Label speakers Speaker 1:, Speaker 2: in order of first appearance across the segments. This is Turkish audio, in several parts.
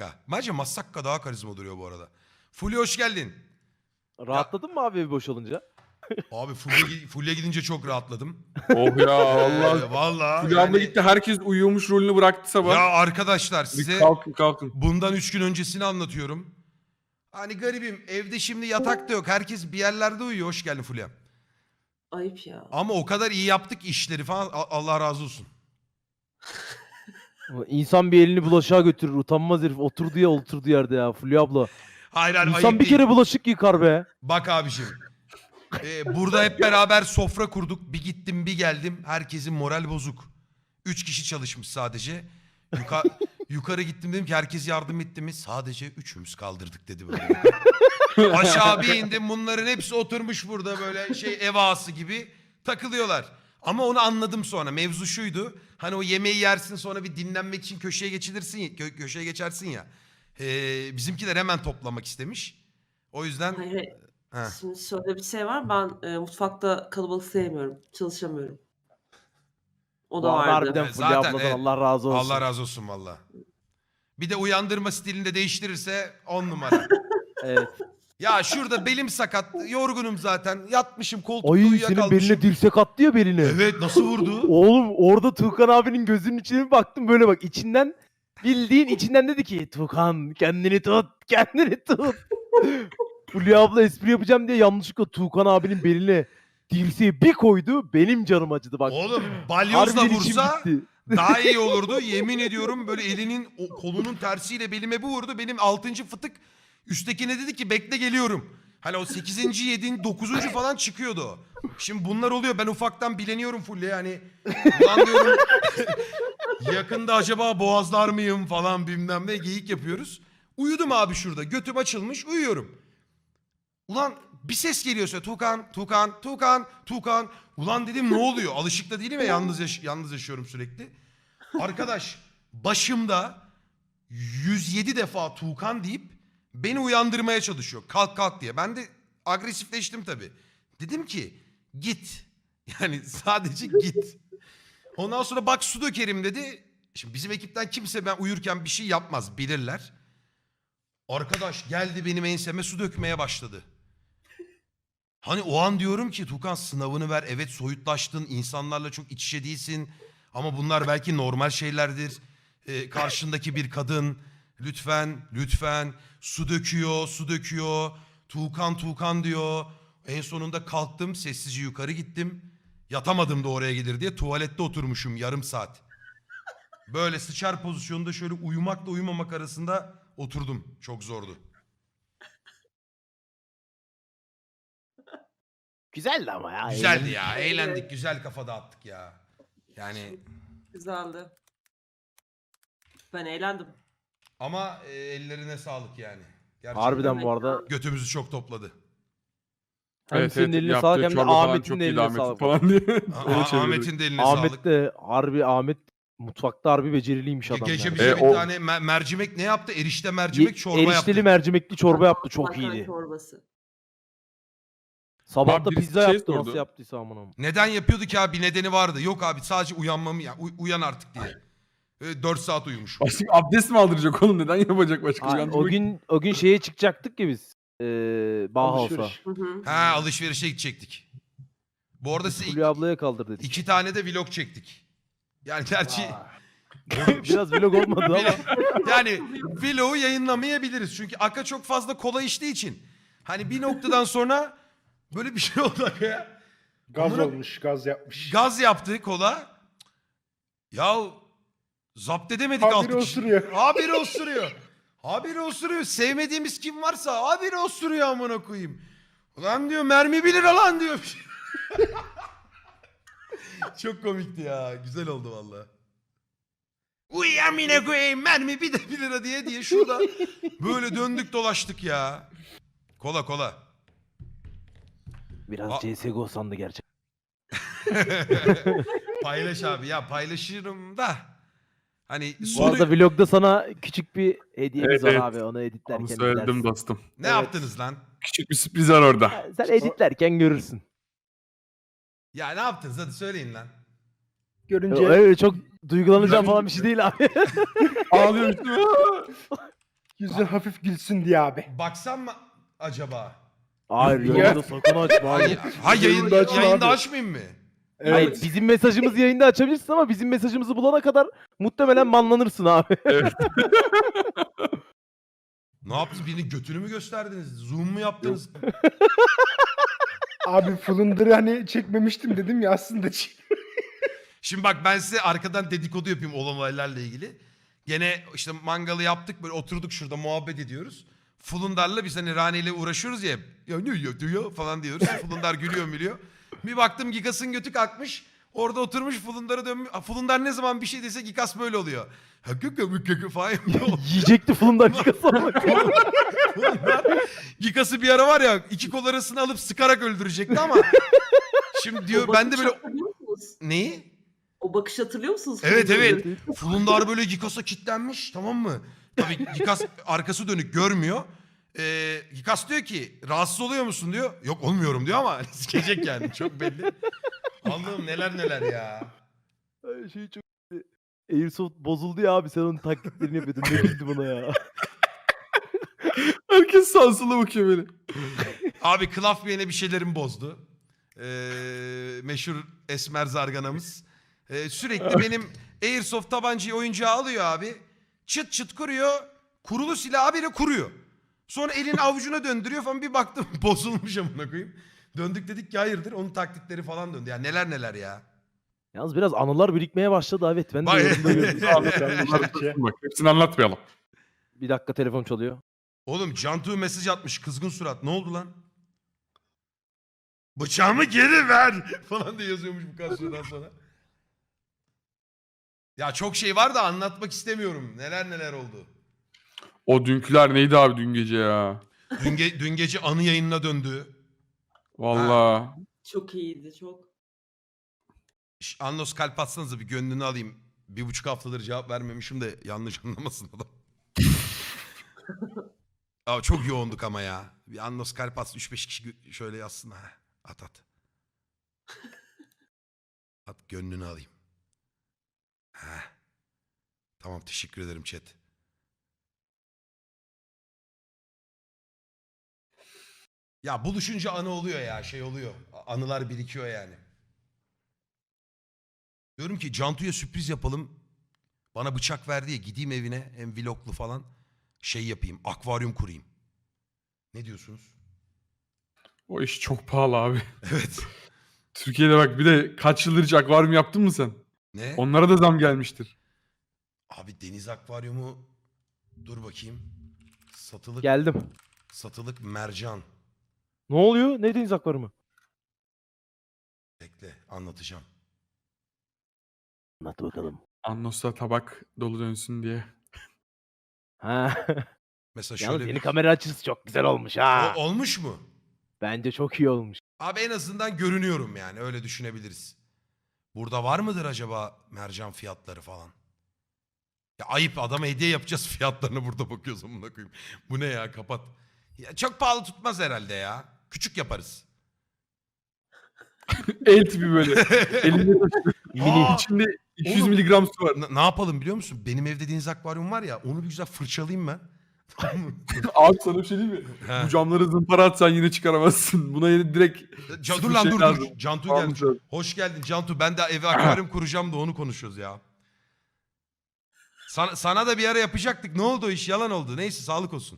Speaker 1: Massakka. Bence Massakka daha karizma duruyor bu arada. Fulya hoş geldin.
Speaker 2: Rahatladın mı abi evi boş olunca?
Speaker 1: Abi Fulya gidince çok rahatladım.
Speaker 3: Oh ya Allah.
Speaker 1: Vallahi
Speaker 3: Fulya abla gitti, herkes uyuyormuş rolünü bıraktı sabah.
Speaker 1: Ya arkadaşlar
Speaker 3: Bir
Speaker 1: size
Speaker 3: kalkın.
Speaker 1: bundan 3 gün öncesini anlatıyorum. Hani garibim evde şimdi yatak da yok. Herkes bir yerlerde uyuyor. Hoş geldin Fulya.
Speaker 4: Ayıp ya.
Speaker 1: Ama o kadar iyi yaptık işleri falan. Allah razı olsun.
Speaker 2: İnsan bir elini bulaşığa götürür. Utanmaz herif. Oturduğu yerde ya Fulya abla.
Speaker 1: Hayır
Speaker 2: İnsan
Speaker 1: ayıp
Speaker 2: bir
Speaker 1: değil.
Speaker 2: kere bulaşık yıkar be.
Speaker 1: Bak abiciğim. Burada hep beraber sofra kurduk. Bir gittim bir geldim. Herkesin moral bozuk. 3 kişi çalışmış sadece. Yukarı gittim dedim ki herkes yardım etti mi? Sadece 3'ümüz kaldırdık dedi böyle. Aşağı bir indim bunların hepsi oturmuş burada böyle ev ağası gibi takılıyorlar. Ama onu anladım sonra. Mevzu şuydu. Hani o yemeği yersin sonra bir dinlenmek için köşeye geçilirsin, köşeye geçersin ya. Bizimkiler hemen toplamak istemiş. O yüzden...
Speaker 4: Hayır.
Speaker 1: Heh.
Speaker 4: Şimdi şöyle bir şey var. Ben mutfakta kalabalık sevmiyorum. Çalışamıyorum. O da
Speaker 2: Bu arada
Speaker 4: vardı.
Speaker 2: harbiden
Speaker 1: Evet,
Speaker 2: Fulya
Speaker 1: zaten
Speaker 2: abladan
Speaker 1: evet.
Speaker 2: Allah razı olsun.
Speaker 1: Allah razı olsun valla. Bir de uyandırma stilini de değiştirirse 10 numara.
Speaker 2: Evet.
Speaker 1: Ya şurada belim sakat, yorgunum zaten. Yatmışım koltukta
Speaker 2: Ay senin
Speaker 1: uyuyakalmışım.
Speaker 2: beline dirsek attı ya beline.
Speaker 1: Evet nasıl vurdu?
Speaker 2: Oğlum orada Tuğkan abinin gözünün içine bir baktım böyle bak içinden bildiğin içinden dedi ki Tuğkan kendini tut kendini tut. Fulya abla espri yapacağım diye yanlışlıkla Tuğkan abinin beline dirseği bir koydu benim canım acıdı bak.
Speaker 1: Oğlum balyozla
Speaker 2: Harbiden içim
Speaker 1: vursa
Speaker 2: gitti.
Speaker 1: daha iyi olurdu. Yemin ediyorum böyle elinin kolunun tersiyle belime bir vurdu. Benim 6. fıtık üsttekine dedi ki bekle geliyorum. Hani o 8. 7. 9. falan çıkıyordu o. Şimdi bunlar oluyor. Ben ufaktan bileniyorum Fulya yani. Ulan diyorum yakında acaba boğazlar mıyım falan bilmem ne geyik yapıyoruz. Uyudum abi şurada. Götüm açılmış uyuyorum. Ulan bir ses geliyor söyle Tuğkan. Ulan dedim ne oluyor? Alışık da değilim ya yalnız yaşıyorum sürekli. Arkadaş başımda 107 defa Tuğkan deyip beni uyandırmaya çalışıyor. Kalk diye. Ben de agresifleştim tabii. Dedim ki git. Yani sadece git. Ondan sonra bak su dökerim dedi. Şimdi bizim ekipten kimse ben uyurken bir şey yapmaz bilirler. Arkadaş geldi benim enseme su dökmeye başladı. Hani o an diyorum ki Tuğkan sınavını ver. Evet soyutlaştın. İnsanlarla çok iç içe değilsin. Ama bunlar belki normal şeylerdir. Karşındaki bir kadın. Lütfen. Su döküyor. Tuğkan diyor. En sonunda kalktım. Sessizce yukarı gittim. Yatamadım da oraya gelir diye. Tuvalette oturmuşum yarım saat. Böyle sıçar pozisyonda şöyle uyumakla uyumamak arasında oturdum. Çok zordu.
Speaker 2: Güzeldi ama ya.
Speaker 1: Güzeldi ya.
Speaker 4: Evet.
Speaker 1: Eğlendik. Güzel kafa dağıttık ya. Yani
Speaker 4: Güzeldi. Ben eğlendim.
Speaker 1: ama ellerine sağlık yani. Gerçekten
Speaker 2: Harbiden bu arada
Speaker 1: götümüzü çok topladı.
Speaker 2: hem senin eline
Speaker 3: yaptığı
Speaker 2: sağlık hem de
Speaker 3: çorba falan
Speaker 2: Ahmet'in
Speaker 3: çok
Speaker 2: de
Speaker 3: iyiydi,
Speaker 2: eline
Speaker 3: Ahmet'in
Speaker 2: sağlık.
Speaker 3: falan diye.
Speaker 1: Ahmet'in de eline sağlık.
Speaker 2: Ahmet de Ahmet mutfakta harbi beceriliymiş adam.
Speaker 1: Gece
Speaker 2: yani.
Speaker 1: bize bir
Speaker 3: o-
Speaker 1: tane mercimek ne yaptı? Erişte mercimek çorba
Speaker 2: Erişteli
Speaker 1: yaptı.
Speaker 2: mercimekli çorba yaptı çok
Speaker 4: Makarna
Speaker 2: iyiydi.
Speaker 4: çorbası.
Speaker 2: Sabah
Speaker 3: Abi
Speaker 2: da
Speaker 3: birisi
Speaker 2: pizza
Speaker 3: şey
Speaker 2: yaptı
Speaker 3: sordu.
Speaker 2: nasıl yaptıysa amına.
Speaker 1: Neden yapıyordu ki abi? Bir nedeni vardı. Yok abi sadece uyanmamı ya. Uyan artık diye. 4 saat uyumuş.
Speaker 3: Başka abdest mi aldıracak oğlum? Neden yapacak başka?
Speaker 2: Ha, o gün şeye çıkacaktık ki biz. Bauhaus'a.
Speaker 4: Hı hı.
Speaker 1: Ha alışverişe gidecektik. Bu arada size
Speaker 2: Fulya ablaya kaldır dedik.
Speaker 1: 2 tane de vlog çektik. Yani gerçi
Speaker 2: Biraz vlog olmadı ama.
Speaker 1: yani vlogu yayınlamayabiliriz. Çünkü Aka çok fazla kola içtiği için. Hani bir noktadan sonra böyle bir şey oldu Aka'ya.
Speaker 5: Gaz
Speaker 1: Amına-
Speaker 5: olmuş, gaz yapmış.
Speaker 1: Gaz yaptı kola. Ya zapt edemedik
Speaker 5: Habire
Speaker 1: 6 kişi.
Speaker 5: osuruyor.
Speaker 1: Habire osuruyor. Sevmediğimiz kim varsa habire osuruyor amına koyayım. Ulan diyor mermi 1 lira lan diyor. Çok komikti ya. Güzel oldu valla. Uy amına koyayım mermi 1 lira diye şurada böyle döndük dolaştık ya. Kola.
Speaker 2: Biraz CSGO sandı gerçekten.
Speaker 1: Paylaş abi ya paylaşırım da. Hani
Speaker 2: Bu
Speaker 1: sonu
Speaker 2: arada vlogda sana küçük bir hediyemiz
Speaker 3: Evet,
Speaker 2: var
Speaker 3: evet.
Speaker 2: abi. Onu editlerken
Speaker 3: Onu söyledim
Speaker 2: izlersin.
Speaker 3: dostum.
Speaker 1: ne yaptınız lan?
Speaker 3: Küçük bir sürpriz var orada.
Speaker 2: Ha, sen editlerken görürsün.
Speaker 1: Ya ne yaptınız hadi söyleyin lan.
Speaker 5: Görünce
Speaker 2: Öyle çok duygulanacağım falan bir şey değil abi.
Speaker 3: Ağlıyorum.
Speaker 5: Yüzün hafif gülsün diye abi.
Speaker 1: Baksam mı acaba?
Speaker 2: Hayır yayında sakın açma.
Speaker 1: Hayır,
Speaker 2: Hayır.
Speaker 1: yayında,
Speaker 5: açma
Speaker 1: yayında
Speaker 5: abi.
Speaker 1: açmayayım mı?
Speaker 2: Hayır, bizim mesajımızı yayında açabilirsin ama bizim mesajımızı bulana kadar muhtemelen banlanırsın abi.
Speaker 1: Ne yaptınız? Birinin götünü mü gösterdiniz? Zoom mu yaptınız?
Speaker 5: Abi Flunder'ı hani çekmemiştim dedim ya aslında
Speaker 1: Şimdi bak ben size arkadan dedikodu yapayım olan olaylarla ilgili. Gene işte mangalı yaptık böyle oturduk şurada muhabbet ediyoruz. Fulundar'la biz hani Rane ile uğraşıyoruz ya. Ya ne diyor falan diyoruz. Fulundar gülüyor mülüyor. Bir baktım Gikas'ın götü kalkmış. Orada oturmuş Fulundar'a dönmüş. Fulundar ne zaman bir şey dese Gikas böyle oluyor. Hakıkı falan yapıyor.
Speaker 2: Yiyecekti fulundan çıkasa.
Speaker 1: Gikas'ı bir ara var ya 2 kol arasını alıp sıkarak öldürecekti ama. Şimdi diyor
Speaker 4: O
Speaker 1: ben de
Speaker 4: bakışı
Speaker 1: böyle...
Speaker 4: hatırlıyor musunuz?
Speaker 1: Neyi?
Speaker 4: O bakışı hatırlıyor musunuz?
Speaker 1: Evet
Speaker 4: Fulundar'ın?
Speaker 1: evet. Fulundar böyle Gikas'a kilitlenmiş tamam mı? Tabii Gikas arkası dönük görmüyor. Gikas diyor ki rahatsız oluyor musun diyor. Yok olmuyorum diyor ama sikecek yani çok belli. Allah'ım neler neler ya.
Speaker 2: Şey çok... Airsoft bozuldu ya abi sen onun taklitlerini yapıyordun. Ne güldü buna ya.
Speaker 3: Herkes sağa sola bakıyor böyle.
Speaker 1: Abi Klaf yine bir şeylerin bozdu. Meşhur Esmer Zarganamız. Sürekli benim Airsoft tabancayı oyuncağı alıyor abi. Çıt çıt kuruyor. Kurulu silahı bile kuruyor. Sonra elini avucuna döndürüyor falan bir baktım bozulmuş amına koyayım. Döndük dedik ki hayırdır onun taklitleri falan döndü. Ya neler neler ya.
Speaker 2: Yalnız biraz anılar birikmeye başladı evet. Ben de
Speaker 1: Vay.
Speaker 2: yorumda gördüm.
Speaker 3: Bak hepsini anlatmayalım.
Speaker 2: Bir dakika telefon çalıyor.
Speaker 1: Oğlum Cantu mesaj atmış kızgın surat. Ne oldu lan? Bıçağımı geri ver falan diye yazıyormuş bu kadar süreden sonra. Ya çok şey var da anlatmak istemiyorum. Neler neler oldu.
Speaker 3: O dünküler neydi abi dün gece ya?
Speaker 1: Dün gece anı yayınına döndü.
Speaker 3: Vallahi.
Speaker 4: Çok iyiydi çok.
Speaker 1: Annos kalp atsanıza bir gönlünü alayım. 1,5 haftadır cevap vermemişim de yanlış anlamasın adam. Abi çok yoğunduk ama ya. Bir Annos kalp atsın 3-5 kişi şöyle yazsın. Ha. At at. At gönlünü alayım. Ha. Tamam teşekkür ederim chat. Ya buluşunca anı oluyor ya şey oluyor. Anılar birikiyor yani. Diyorum ki Cantu'ya sürpriz yapalım. Bana bıçak verdi ya gideyim evine hem vloglu falan şey yapayım akvaryum kurayım. Ne diyorsunuz?
Speaker 3: O iş çok pahalı abi.
Speaker 1: Evet.
Speaker 3: Türkiye'de bak bir de kaç yıldır hiç akvaryum yaptın mı sen?
Speaker 1: Ne?
Speaker 3: Onlara da zam gelmiştir.
Speaker 1: Abi deniz akvaryumu dur bakayım. Satılık
Speaker 2: Geldim.
Speaker 1: satılık mercan.
Speaker 2: Ne oluyor? Ne deniz akvaryumu?
Speaker 1: Bekle anlatacağım.
Speaker 2: Anlat bakalım.
Speaker 3: Annos'ta tabak dolu dönsün diye.
Speaker 2: Ha.
Speaker 1: Mesela
Speaker 2: Yalnız
Speaker 1: şöyle
Speaker 2: yeni
Speaker 1: bir...
Speaker 2: kamera açısı çok güzel olmuş ha.
Speaker 1: Olmuş mu?
Speaker 2: Bence çok iyi olmuş.
Speaker 1: Abi en azından görünüyorum yani öyle düşünebiliriz. Burada var mıdır acaba mercan fiyatları falan? Ya ayıp adama hediye yapacağız fiyatlarına burada bakıyoruz amına koyayım. Bu ne ya kapat. Ya çok pahalı tutmaz herhalde ya. Küçük yaparız.
Speaker 3: El tipi böyle. Elinde
Speaker 1: Aa,
Speaker 3: içinde 200
Speaker 1: oğlum.
Speaker 3: miligram su var.
Speaker 1: Ne yapalım biliyor musun? Benim evde deniz akvaryum var ya onu bir güzel fırçalayayım ben. Tamam mı?
Speaker 3: Abi sana bir şey diyeyim mi?
Speaker 1: He.
Speaker 3: Bu camları zımpara atsan yine çıkaramazsın. Buna yine direkt
Speaker 1: Dur lan dur
Speaker 3: lazım.
Speaker 1: dur. Cantu
Speaker 3: Tamam,
Speaker 1: gelmiş.
Speaker 3: dur.
Speaker 1: Hoş geldin Cantu. Ben de eve akvaryum kuracağım da onu konuşuyoruz ya. Sana da bir ara yapacaktık. Ne oldu o iş? Yalan oldu. Neyse sağlık olsun.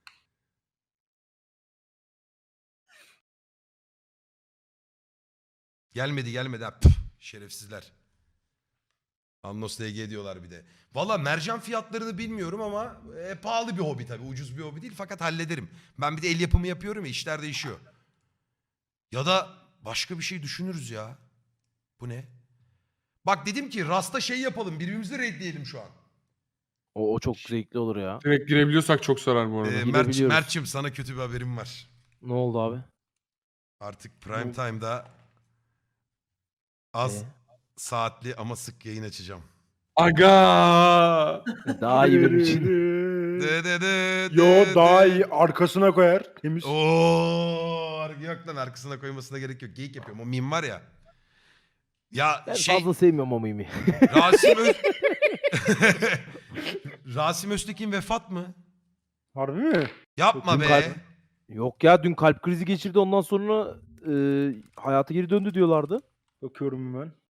Speaker 1: Gelmedi. Ha, püf, şerefsizler. Annos DG diyorlar bir de. Valla mercan fiyatlarını bilmiyorum ama pahalı bir hobi tabii. Ucuz bir hobi değil fakat hallederim. Ben bir de el yapımı yapıyorum ya işler değişiyor. Ya da başka bir şey düşünürüz ya. Bu ne? Bak dedim ki Rasta şey yapalım birbirimizi raidleyelim şu an.
Speaker 2: O çok zevkli olur ya.
Speaker 3: direkt girebiliyorsak çok sarar bu arada.
Speaker 2: Gidebiliyoruz.
Speaker 1: Mert'cim sana kötü bir haberim var.
Speaker 2: Ne oldu abi?
Speaker 1: Artık prime time'da az
Speaker 2: Ee?
Speaker 1: saatli ama sık yayın açacağım.
Speaker 3: Aga!
Speaker 2: Daha iyi benim için.
Speaker 5: Yo daha iyi arkasına koyar. Temiz.
Speaker 1: Oo, yok lan arkasına koymasına gerek yok. Geyik yapıyorum. O meme var ya. Ya
Speaker 2: Ben
Speaker 1: şey
Speaker 2: fazla sevmiyorum o mimi.
Speaker 1: Rasim Rasim Öztekin vefat mı?
Speaker 5: Harbi mi?
Speaker 1: Yapma
Speaker 2: Dün
Speaker 1: be.
Speaker 2: kalp- Yok ya dün kalp krizi geçirdi ondan sonra hayata geri döndü diyorlardı.
Speaker 5: Bakıyorum hemen.